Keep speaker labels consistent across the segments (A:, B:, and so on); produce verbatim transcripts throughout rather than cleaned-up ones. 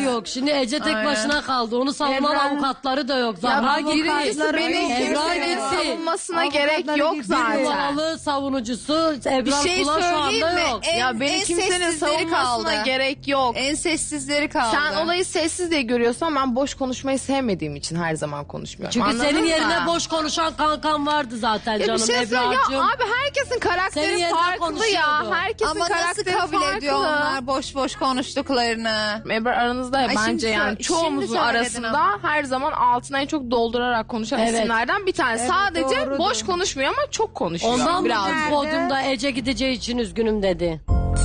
A: yok. Şimdi Ece tek
B: Aynen.
A: başına kaldı. Onu savunan
C: Ebrar-
A: avukatları da yok.
D: Ya
A: Zahra
D: birincisi
A: gitti.
D: beni
A: Ebrar
D: kimsenin
A: gitti.
D: savunmasına
C: Avukatları
D: gerek yok
C: gitti.
D: zaten.
A: Numaralı savunucusu Ebrar
B: Bir şey
A: Kula şu anda
B: söyleyeyim mi?
A: yok.
B: En-
D: Ya beni
B: en
D: kimsenin
B: sessizleri
D: savunmasına
B: kaldı.
D: gerek yok.
B: En sessizleri kaldı.
D: Sen olayı sessiz diye görüyorsan ben boş konuşmayı sevmediğim için her zaman konuşmuyorum.
A: Çünkü
D: Anladın
A: senin
D: mı?
A: yerine boş konuşan kankan vardı zaten
D: Ya bir
A: canım
D: şey söyleyeyim ya
A: Ebrar'cığım.
D: abi herkesin
A: Senin
D: karakteri
A: yerine
D: farklı ya.
A: konuşuyordu.
D: Herkesin
B: Ama nasıl
D: karakteri
B: kabul
D: farklı.
B: ediyor onlar boş boş konuştuklarını?
D: Ebrar aranızda ya
B: Ay
D: bence
B: şimdi
D: yani
B: sö-
D: çoğumuzun
B: şimdi söyledin
D: arasında
B: ama.
D: her zaman altına en çok doldurarak konuşan
A: Evet.
D: isimlerden bir tanesi.
C: Evet,
D: Sadece
C: doğrudur.
D: boş konuşmuyor ama çok konuşuyor.
A: Ondan mı
D: biraz.
A: dün podyumda Ece gideceği için üzgünüm dedi.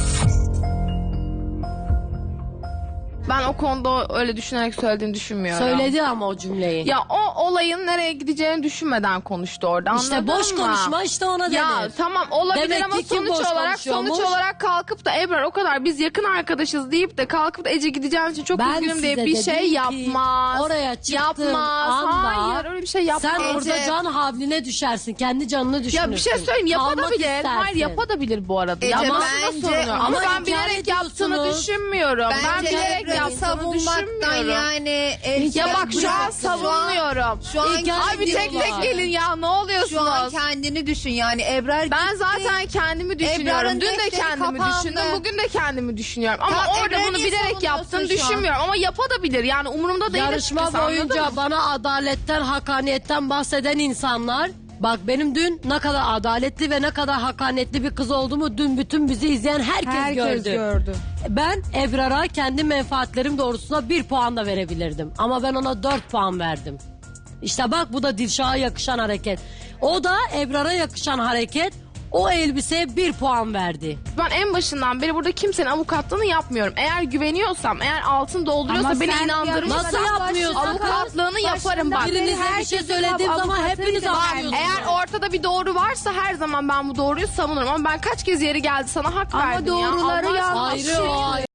D: Ben o konuda öyle düşünerek söylediğini düşünmüyorum.
A: Söyledi ama o cümleyi.
D: Ya o olayın nereye gideceğini düşünmeden konuştu orada.
A: işte
D: anladın
A: boş
D: mı?
A: konuşma işte ona denir.
D: Ya tamam olabilir
A: Demek
D: ama
A: ki kim
D: sonuç
A: boş
D: olarak sonuç
A: konuşuyormuş?
D: olarak kalkıp da Ebrar o kadar biz yakın arkadaşız deyip de kalkıp da Ece gideceğin için çok
A: Ben
D: üzgünüm diye
A: size
D: bir
A: dedim
D: şey
A: ki,
D: yapmaz.
A: oraya çıktığın
D: yapmaz.
A: anda
D: Hayır öyle bir şey yapmaz.
A: sen orada
B: Ece-
A: can havline düşersin. Kendi canını düşünürsün.
D: Ya bir şey söyleyeyim
A: Kalmak
D: yapabilir. Hayır
A: istersin.
D: yapabilir bu arada.
B: Ece,
D: Yapması da
B: bence-
D: sorun. Ama,
A: Ama
D: ben
A: inkar
D: bilerek yaptığını
A: ediyorsunuz.
D: düşünmüyorum. ben
B: Bence
D: bilerek
B: Ebrar'ı
D: yaptığını
B: savunmaktan
D: düşünmüyorum.
B: yani... el-
D: Ya bak şu an
B: bıraktı.
D: savunmuyorum.
B: Şu an
A: İnkar
D: Abi tek tek
A: ediyorlar.
D: gelin ya ne
B: Şu an
D: oluyorsunuz?
B: kendini düşün yani Ebrar
D: Ben
B: gitti.
D: zaten kendimi düşünüyorum.
B: Ebrar'ın
D: Dün de
B: defteri
D: kendimi
B: kapandı.
D: düşündüm. Bugün de kendimi düşünüyorum. Ama
B: Tamam,
D: orada
B: Ebrar'ı
D: bunu
B: niye
D: bilerek
B: savunuyorsun
D: yaptığını
B: şu an?
D: düşünmüyorum. Ama yapabilir. Yani umurumda değil.
A: Yarışma
D: açıkçası, anladın
A: boyunca
D: mı?
A: bana adaletten, hakaniyetten bahseden insanlar... Bak benim dün ne kadar adaletli ve ne kadar hakaniyetli bir kız olduğumu dün bütün bizi izleyen herkes,
C: Herkes
A: gördü.
C: gördü.
A: Ben Ebrar'a kendi menfaatlerim doğrultusunda bir puan da verebilirdim. Ama ben ona dört puan verdim. İşte bak bu da Dilşah'a yakışan hareket. O da Ebrar'a yakışan hareket. O elbiseye bir puan verdi.
D: Ben en başından beri burada kimsenin avukatlığını yapmıyorum. Eğer güveniyorsam, eğer altın dolduruyorsa
C: Ama
D: beni
C: sen
D: inandırmışsa
A: Nasıl yapmıyorsun?
D: avukatlığını yaparım bak.
A: Birinize bir şey söylediğim zaman hepiniz anlıyorsunuz.
D: Eğer ortada bir doğru varsa her zaman ben bu doğruyu savunurum. Ama ben kaç kez yeri geldi sana hak
C: Ama
D: verdim ya.
C: doğruları
D: Allah aşkına.
C: yanlış.
A: Ayrı o ayrı.